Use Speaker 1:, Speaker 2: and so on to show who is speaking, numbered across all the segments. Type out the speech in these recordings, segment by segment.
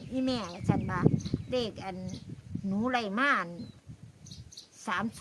Speaker 1: อีแม่ฉันมาเลขอันหนูไรม่าน308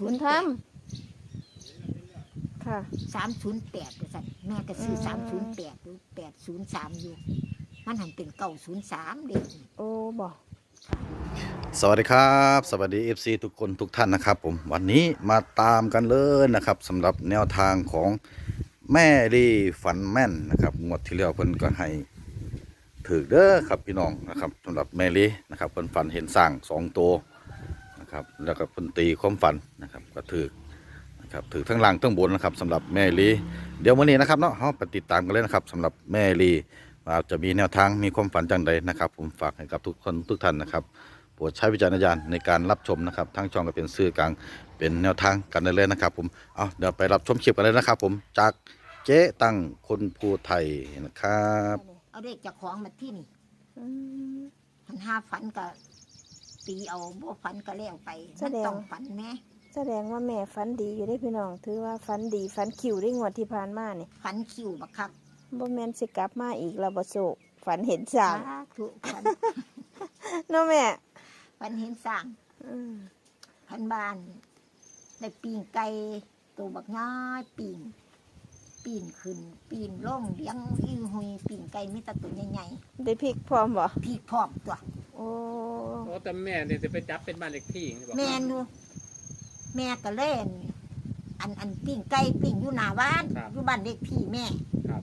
Speaker 2: ค่ะ
Speaker 1: 308ก็สั่นแม่ก็ซื้อ308หรือ803อยู่มันหันเป็น903เด็ก
Speaker 2: โอ้บอก
Speaker 3: สวัสดีครับสวัสดี FC ทุกคนทุกท่านนะครับผมวันนี้มาตามกันเลยนะครับสำหรับแนวทางของแม่ลีฝันแม่นนะครับงวดที่แล้วเพิ่นก็ให้ถือเด้อครับพี่น้องนะครับสำหรับแม่ลีนะครับเพิ่นฝันเห็นสร้าง2ตัวนะครับแล้วก็เพิ่นตีความฝันนะครับก็ถือนะครับถือทั้งล่างทั้งบนนะครับสำหรับแม่ลีเดี๋ยววันนี้นะครับเนาะเราไปติดตามกันเลยนะครับสำหรับแม่ลีว่าจะมีแนวทางมีความฝันจังใดนะครับผมฝากให้กับทุกคนทุกท่านนะครับโปรดใช้วิจารณญาณในการรับชมนะครับทั้งช่องก็เป็นสื่อกลางเป็นแนวทางกันได้เลยนะครับผมเอาเดี๋ยวไปรับชมคลิปกันเลยนะครับผมจากเจ๊ตั้งคนภูไทยนะครับ
Speaker 1: เอาเด็กจากของมาที่นี่
Speaker 2: อืม
Speaker 1: หันห้าฝันก็ตีเอาบ่ฝันก็แล้วไปมันต้องฝันแม่
Speaker 2: แสดงว่าแม่ฝันดีอยู่ได้พี่น้องถือว่าฝันดีฝันคิวได้งวดที่ผ่านมานี่
Speaker 1: ฝันคิวบักคัก
Speaker 2: บ่แม่นสิกลับมาอีกแล้วบ่โศกฝันเห็นสร้าง
Speaker 1: ถูกฝัน
Speaker 2: เนาะแม่
Speaker 1: ฝันเห็นสร้าง
Speaker 2: อืม
Speaker 1: พันบ้านได้ปีนไก่ตัวบักง่ายปีนขึ้นปีนล่องเลี้ยงอีหุยปีนไก่มีแตะตัวใหญ่
Speaker 2: ได้พริกพร้อมบ่
Speaker 1: ๆพี่พร้อมตัว
Speaker 2: โอ้
Speaker 4: โอ้แต่แม่เนี่ยจะไปจับเป็นบ้านเล็กที่บอก
Speaker 1: แม่นูแม่ก็เล่นอันปีนไก่ปีนอยู่หน้าบ้านอยู่บ้านเด็กพี่แม่
Speaker 4: ครับ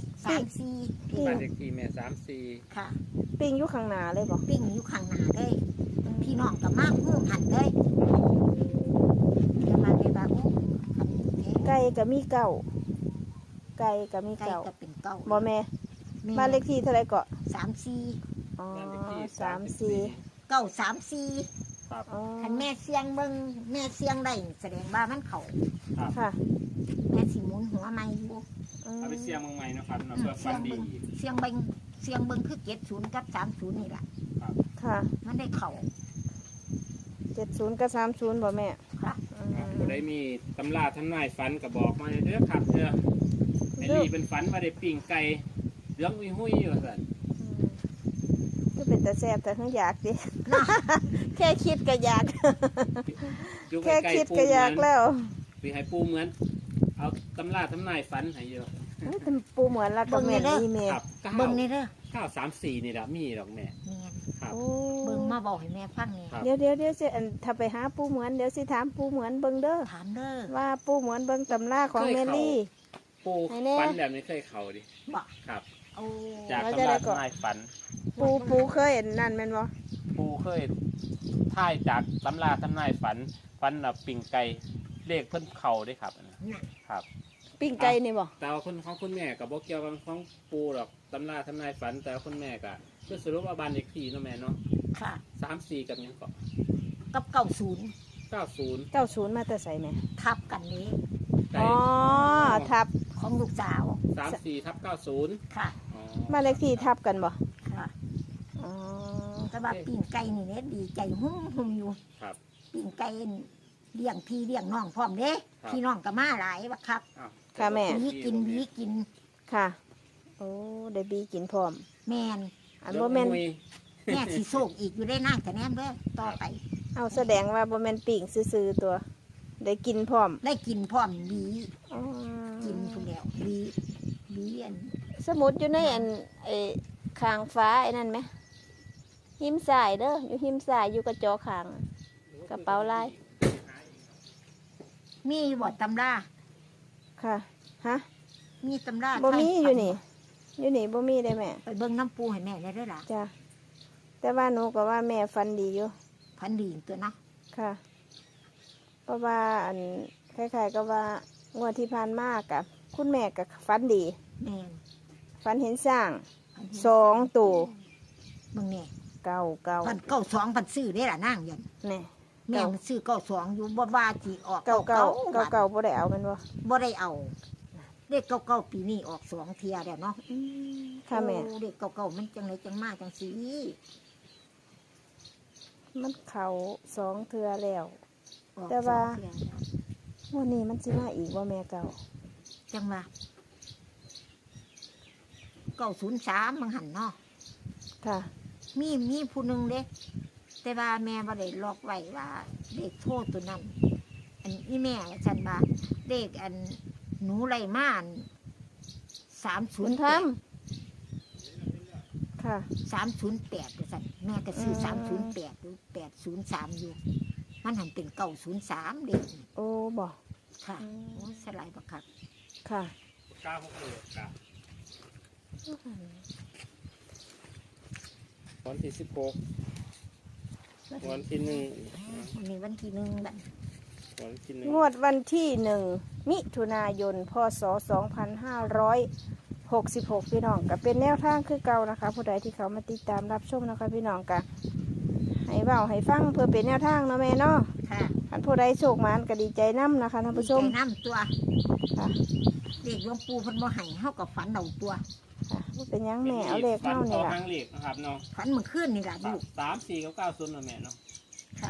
Speaker 1: 3-4
Speaker 4: บ้านเล็กที่แม่3-4
Speaker 1: ค่ะ
Speaker 2: ปิ้งอยู่ข้างหน้าเลยบ่
Speaker 1: ปิ้งอยู่ข้างหน้าเลยพี่น้องก็มากหูหันเลยจะมาในบ้านคันนี้
Speaker 2: ไก่ก็มีเก้าไก่ก็มี
Speaker 1: ไก่
Speaker 2: เก้า
Speaker 1: ก็เป็นเก้า
Speaker 2: บ่แม่บ้านเลขที่เท่าไหร่ก็
Speaker 1: 3-4
Speaker 2: อ๋อ
Speaker 4: บ้านเล็กที่
Speaker 2: 34
Speaker 1: 9-3-4
Speaker 4: ครับ
Speaker 2: อ๋อ
Speaker 1: คันแม่เสียงเบิ่งแม่เสียงได้แสดงว่ามันเขา
Speaker 2: ค่ะ
Speaker 1: แม่สิหมุนหัวไม่อยู่
Speaker 4: เอาไปเสี่ยงเมืองใหม่นะครับเนาะเพื่อฟันดีอีก
Speaker 1: เสียงเบิ่งคือ70กับ30นี่แหละ
Speaker 2: ค่ะ
Speaker 1: มันได้เขา
Speaker 2: 70กับ30บ่แม่
Speaker 1: ค่ะ
Speaker 2: อืม
Speaker 4: ผู้ใดมีตำราทำนายฟันก็บอกมาเด้อครับเด้อไอ้นี่เป็นฝันว่าได้ปิ้งไก่เลี้ยงวิหุ้ยอยู่สั่น
Speaker 2: ก็เป็นแต่แซ่บแต่ทั้งอยากดิ แค่คิดก็อยาก
Speaker 4: อยู่
Speaker 2: แค่
Speaker 4: ใกล้
Speaker 2: คิด
Speaker 4: ๆปู
Speaker 2: ก็อยากแล้ว
Speaker 4: ปีให้ปูเหมือน เอาตำราทำนายฟันให้เยอะ
Speaker 2: เอ้ยแต่ปูเหมือนรักกับแม่นี่แม่
Speaker 4: ครับ
Speaker 1: เบิ่งนี่เด้อ
Speaker 4: 934นี่แหละมีดอกแม่
Speaker 1: แม่น
Speaker 4: ครับ
Speaker 2: โอ้
Speaker 1: เบิ่งมาบอกให้แม่ฟังนี่
Speaker 4: ครับ
Speaker 2: เดี๋ยวสิอันถ้าไปหาปูเหมือนเดี๋ยวสิถามปูเหมือนเบิ่งเด้อ
Speaker 1: ถามเด้อ
Speaker 2: ว่าปูเหมือนเบิ่งตำราของแมลี่
Speaker 4: ปู
Speaker 2: ให้แน่
Speaker 4: ฟันแบบนี้เคยเข่าดิ
Speaker 1: บอก
Speaker 4: ครับ
Speaker 1: โอ้
Speaker 4: จาก
Speaker 2: แล้ว
Speaker 4: ตำ
Speaker 2: จะได้
Speaker 4: รา
Speaker 2: ก่อน
Speaker 4: ทำนายฟัน
Speaker 2: ปูเคยเห็นนั่นแม่นบ่
Speaker 4: ปูเคยท่ายจากตำราทำนายฝันปิ่งไก่เลขเพิ่นเข่าได้ครับอันนั้น
Speaker 1: น่ะ
Speaker 4: ครับ
Speaker 2: ปิ้งไก่นี่บ่
Speaker 4: แต่ว่าคนของคุณแม่กับบอกเกี่ยวกับของปูหรอกตำราทำนายฝันแต่ว่าคุณแม่ก็คือสรุปว่าบ้านเลขที่เนาะแม่เนาะ
Speaker 1: ค่ะ
Speaker 4: 34กับหยังก็
Speaker 1: กับ90
Speaker 4: 90
Speaker 2: 90มาแต่ไสแม่
Speaker 1: ทับกันนี้
Speaker 4: ไก่
Speaker 2: อ๋อทับ
Speaker 1: ของลูกสาว
Speaker 4: 34/90
Speaker 1: ค่ะ
Speaker 4: อ๋อ
Speaker 2: มานเลขที่ทับกันบ่
Speaker 1: ค่ะ
Speaker 2: อ๋อ
Speaker 1: แต่ว่าปิ้งไก่นี่เนี่ยดีใจหุ่มอยู่
Speaker 4: ครับ
Speaker 1: ปิ้งไก่เลี้ยงพี่เลี้ยงน้องพร้อมเด้
Speaker 4: ครับ
Speaker 1: พี่น้องก็มาหลายบักครับ
Speaker 4: อ้าว
Speaker 2: ค่ะแม่
Speaker 1: หวีกิน
Speaker 2: ค่ะ โอ้ได้บีกินพร้อม
Speaker 1: แมน
Speaker 2: อันบ่แม่น
Speaker 4: ย
Speaker 1: แม่สิโศกอีกอยู่ได้นั่งแต่แนมเด้อต่อไป
Speaker 2: เอาแสดงว่าบ่แม่นปิ้งซื่อๆตัว ได้กินพร้อม
Speaker 1: ได้กินพร้อมหวี
Speaker 2: อ๋อ
Speaker 1: กินทุกแล้วหวีอัน
Speaker 2: สมุดอยู่ในอันไอ้คางฟ้าไอ้นั่นไหมหิมสายเด้ออยู่หิมสายอยู่กระจอคางกระเป๋าลาย
Speaker 1: มีบทตำรา
Speaker 2: ค่ะฮะ
Speaker 1: มีตำรา
Speaker 2: บ่มี
Speaker 1: ไท
Speaker 2: อยู่นี่อยู่นี่บ่มีได้แม่
Speaker 1: ไปเบิ่งน้ำปูให้แม่ได้ด้วยล่ะ
Speaker 2: จ้ะแต่ว่าหนูก็ว่าแม่ฟันดีอยู่
Speaker 1: พันดีตัวนะ
Speaker 2: ค่ะ เพราะว่าอันคล้ายๆก็ว่างวดที่ผ่านมากับคุณแม่กับฟันดี
Speaker 1: แม่น
Speaker 2: ฟันเห็นสร้าง
Speaker 1: พันเห็น
Speaker 2: 2ตัว
Speaker 1: เบิ่งแม่
Speaker 2: เก้า
Speaker 1: พัน92พันซื้อได้ล่ะนั่งยัน
Speaker 2: นี่
Speaker 1: แม่มันซื้อ92อยู่บ่ว่าสิออก
Speaker 2: เก้าเก้า
Speaker 1: 99
Speaker 2: เก้าเก้าบ่ได้เอาแมันบ่
Speaker 1: บ่ได้เอาเลข99ปีนี้ออก2เที่ยแล้วเนาะ
Speaker 2: ค่ะแม่
Speaker 1: โอ้เลข99มันจังไดจังมาจังสี
Speaker 2: มันเข่า2เทื่อแล้ว
Speaker 1: ออก
Speaker 2: แต่ว่า
Speaker 1: สองเที่ยแล้ว
Speaker 2: วันนี้มันสิมาอีกว่าแม่เก่า
Speaker 1: จังว่า903มันหันเนาะ
Speaker 2: ค่ะ
Speaker 1: มีผู้หนึงเด้แต่ว่าแม่บ่ได้ล็อกไว้ว่าเลขโทษตัวนั้น อันอีแม่ฉันว่าเลขอันหนูไรม่าน
Speaker 2: บุญธรรม
Speaker 1: 308
Speaker 2: ค่ะ
Speaker 1: 308ว่าซั่นแม่ก็ซื้อ
Speaker 2: อืม
Speaker 1: 308หรือ803อยู่มันหันเป็น903เด็ก
Speaker 2: โอ้บ่
Speaker 1: ค่ะโอ้สลายบักคัก
Speaker 2: ค่ะ
Speaker 4: 966ครับวันที่16วันที่1
Speaker 1: วันนี้วันที่1บัด
Speaker 4: วันที่
Speaker 2: งวดวันที่1 มิถุนายน พศ 2566 พี่น้องก็เป็นแนวทางคือเก่านะคะ ผู้ใดที่เขามาติดตามรับชมนะคะพี่น้องก็ให้เว้าให้ฟังเพื่อเป็นแนวทางเนาะแม่เนาะ
Speaker 1: ค่ะ
Speaker 2: ท่านผู้ใดโชคหมานก็ดีใจนํนะคะท่านผู้ชม
Speaker 1: ใจน้ำตัว
Speaker 2: ค่ะ
Speaker 1: เด็กหลวงปู่เพิ่นบ่ให้เฮากับฝันเอาตัว
Speaker 2: ค่ะบ่เป็นหยังแม่เอาเลขเข้านี่
Speaker 4: ล่ะ
Speaker 2: ล่ะ
Speaker 4: ทางเลขนะครับเนาะ
Speaker 1: ฝันเมื่อคืนนี่ล่ะลูก
Speaker 4: 3 4กับ90นะแม่เนาะ
Speaker 1: ค่ะ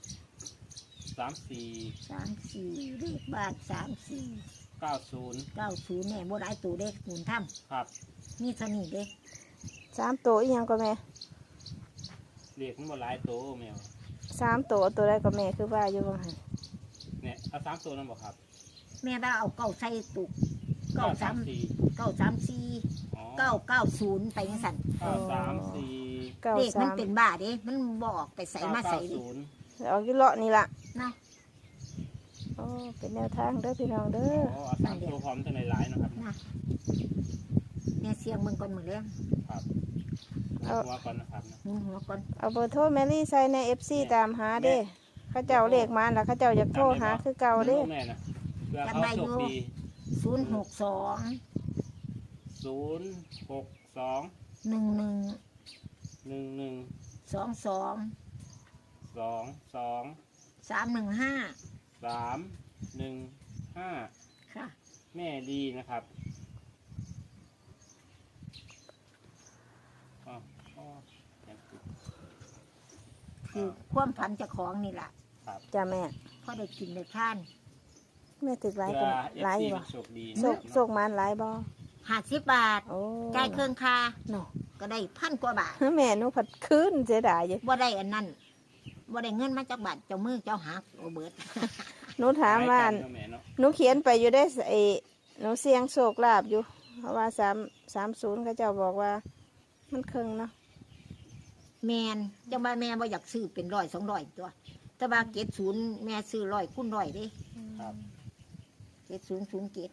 Speaker 4: 3 4
Speaker 1: 34เลขบ้าน34
Speaker 4: 90
Speaker 1: 90เนี่ยบ่ได้ตัวเด็กหมุนถ้
Speaker 4: ครับ
Speaker 1: ำมีเท่านี้เด็ก
Speaker 2: 3 ตัวอีหยังก็แม่
Speaker 4: เลขมันบ่หลายโตแม่
Speaker 2: 3 ตัวตัวใดก็แม่คือว่าอยู่ว่าหั่น
Speaker 4: เนี่ยเอา3ตัวนั่นบ่ครับ
Speaker 1: แม่ว่าเอาเก้าใส่ตุก
Speaker 4: 934
Speaker 1: 934
Speaker 4: อ๋อ
Speaker 1: 990ไปจังซั่น
Speaker 4: 934
Speaker 1: เด็กมัน
Speaker 2: 93
Speaker 1: เป็นบ้าเด้มันบ่ออกไปใส่มาใส่ดิ
Speaker 4: 990
Speaker 2: เอาอยู่เลาะนี่ล่ะ
Speaker 1: นะ
Speaker 2: โอ้เป็นแนวทางเด้อพี่น้องเด้อ
Speaker 4: อ๋อเอา3ตัวพร้อมทั้งหลายๆนะครับ
Speaker 1: นะแม่เสียงมึงก่อนมื้อแลง
Speaker 4: ครับหัวก่อนนะครับนะ
Speaker 1: หมุนหัวก่อน
Speaker 2: เอาเบอร์โทรแมรี่ใส่ใน FC ตามหาเด้เขาเจ้าเลขมาแล้วเขาเจ้าอยากโทรหาคือเก่าเด้
Speaker 4: แม่นะเพื่อเขาโชคดี
Speaker 1: 062
Speaker 4: 062
Speaker 1: 11
Speaker 4: 11
Speaker 1: 22
Speaker 4: 22
Speaker 1: 315
Speaker 4: 315
Speaker 1: ค่ะ
Speaker 4: แม่ดีนะครับอ๋ออ๋อ
Speaker 1: คือความฝันเจ้าของนี่ล่ะ
Speaker 2: จ้าแม่
Speaker 1: พอได้กินได้ท่าน
Speaker 2: แม่ถึกหลาย
Speaker 4: เพื่
Speaker 2: กั
Speaker 4: อน
Speaker 2: หลาย
Speaker 4: FC
Speaker 2: บ่
Speaker 4: มันโชคดี
Speaker 2: โชคมันหลายบ่
Speaker 1: 50 บาท
Speaker 2: โอ้
Speaker 1: จ่ายเครื่องค่า
Speaker 2: เนาะ
Speaker 1: ก็ได้1,000 กว่าบาท
Speaker 2: แม่หนูผัดคืนเสียดายอยู่
Speaker 1: บ่ได้อันนั้นบ่ได้เงินมาจากบาทเจ้ามือเจ้าหักโอเบิด
Speaker 2: หนูถามว่า
Speaker 4: หลยกันเนอะแม่เนาะ
Speaker 2: หนูเขียนไปอยู่ได้ไอ้หนูเสียงโชคลาภอยู่ เพราะว่า30เขาเจ้าบอกว่า มันครึ่งเนาะ
Speaker 1: แมนจังว่าแม่บ่อยากซื้อเป็น100 200ตัว แต่ว่า70แม่ซื้อ100คูณ100เด้
Speaker 4: ครับ
Speaker 1: 7007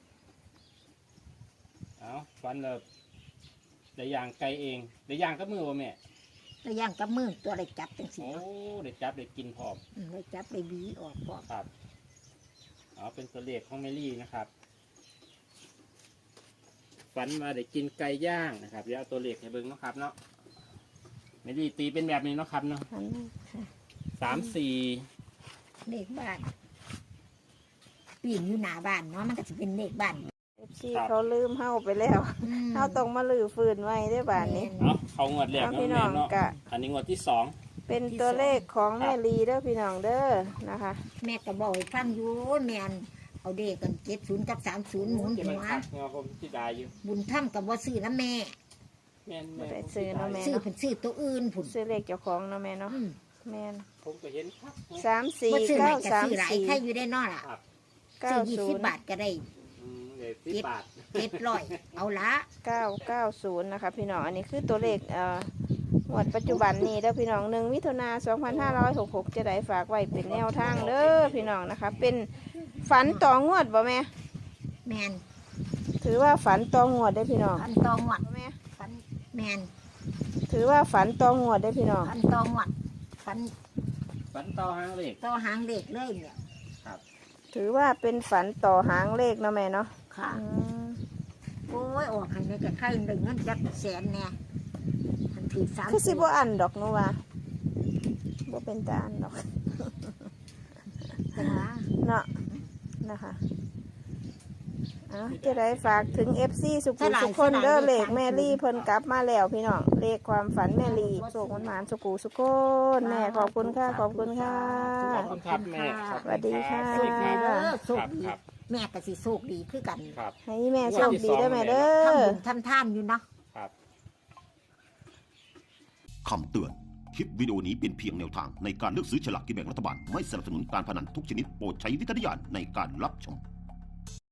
Speaker 4: เอาฟันเลยได้ย่างไก่เองได้ย่างกับมือบ่แม่
Speaker 1: แล้วย่างกับมือตัวได้จับจังซี่
Speaker 4: โอ้ได้จับได้กินพร้อม
Speaker 1: ได้จับได้บีออกพร้อม
Speaker 4: ครับเอาเป็นตัวเลขของแมรี่นะครับฝันมาได้กินไก่ย่างนะครับเดี๋ยวเอาตัวเลขให้เบิ่งเนาะครับเนาะแมรี่ตีเป็นแบบนี้เนาะครับเนาะ
Speaker 2: อันนั้น
Speaker 4: 3 4
Speaker 1: เลขบ้านปีนอยู่หน้าบ้านเนาะมันก็สิเป็นเลขบ้าน
Speaker 2: FC เขาลืมเฮาไปแล้วเฮาต้องมาลื้อฟื้นไว้ได้อบาดนี้
Speaker 4: เอาเขางวดแรก
Speaker 2: เอา
Speaker 4: เนาะ
Speaker 2: พี่น้
Speaker 4: แม่
Speaker 2: อง
Speaker 4: เนาะ
Speaker 2: กะ
Speaker 4: อันนี้งวดที่2
Speaker 2: เป็นตัวเลขของแม่ลีเด้อพี่น้องเด้อนะคะ
Speaker 1: แม่ก็บอกให้ฟังอยู่แม่นเอาเด็กกัน70กับ30หมุน
Speaker 4: จะ
Speaker 1: หั
Speaker 4: เป็น
Speaker 1: ว
Speaker 4: คักเนาะผมที่ได้อยู่
Speaker 1: บุญถ้ำกับว่าซื้อนะแม่
Speaker 4: แม่น
Speaker 2: บ่
Speaker 4: แม่
Speaker 2: ได้ซื้อเนาะแม่
Speaker 1: ซื้อ
Speaker 2: เนาะ
Speaker 1: เป็นซื้อตัวอื่นผุน
Speaker 2: ซื้อเลขเจ้าของเนาะแม่เนาะ
Speaker 1: อืม
Speaker 2: แม่น
Speaker 4: ผมก็เห็นครับ
Speaker 2: 3
Speaker 1: ว่าซื้อ
Speaker 2: 4
Speaker 1: ไหน
Speaker 2: 9
Speaker 1: ก็ซื้อหลาย
Speaker 2: 3
Speaker 1: ใครอยู่ได้นอล่ะ
Speaker 4: ครับ
Speaker 2: 4
Speaker 1: ซื้อ20 บาทก็ได้
Speaker 4: เดี๋ยว10 บาท
Speaker 1: 700เอาละ
Speaker 2: 990นะคะพี่น้องอันนี้คือตัวเลขงวดปัจจุบันนี้เด้อพี่น้อง1 มิถุนายน 2566จะได้ฝากไว้เป็นแนวทางเด้อพี่น้องนะคะ เป็นฝันต่องวดบ่แม่
Speaker 1: แมน
Speaker 2: ถือว่าฝันต่องวดได้อพี่น้อง
Speaker 1: พันตองหวัด
Speaker 2: แม่
Speaker 1: พันแมน
Speaker 2: ถือว่าฝันต่องวดได้อพี่น้อง
Speaker 1: พันตองหวัดพัน
Speaker 4: ฝันต่อหางเลข
Speaker 1: ต่อหางเด็กเลยเนี่ย
Speaker 2: ถือว่าเป็นฝันต่อหางเลขเนาะแม่เนาะ
Speaker 1: ค่ะ
Speaker 2: อืม
Speaker 1: โอ้ยออกให้ในกระไข่ได้เงินจักแสนแน่ทันที3
Speaker 2: คือสิบ่อันดอกหนูว่าบ่เป็นตาอันดอก
Speaker 1: เป็นว่า
Speaker 2: เนาะนะคะจะได้ฝากถึง FC สุขุสุขคนเด้อเลขแม่ลี่เพิ่นกลับมาแล้วพี่น้องเลขความฝันแม่ลี่โชคมันหมานสุขุสุขคนแม่ขอบคุณค่ะขอบคุณค่ะ
Speaker 4: ขอบคุณครับแม่ครับ
Speaker 2: สวัสดีค่ะ
Speaker 4: สวัสดีครับ
Speaker 1: โชคดี
Speaker 4: ครับ
Speaker 1: แม่ก็สิโชคดีคือกัน
Speaker 4: ครับ
Speaker 2: ให้แม่โชคดีเด้อแม่เด้
Speaker 1: ทำ
Speaker 2: อ
Speaker 1: บุญทำท่านอยู่เนาะ
Speaker 4: ครับ
Speaker 5: คำเตือน คลิปวิดีโอนี้เป็นเพียงแนวทางในการเลือกซื้อฉลากกินแบ่งรัฐบาล ไม่สนับสนุนการพนันทุกชนิดโปรดใช้วิจารณญาณในการรับชม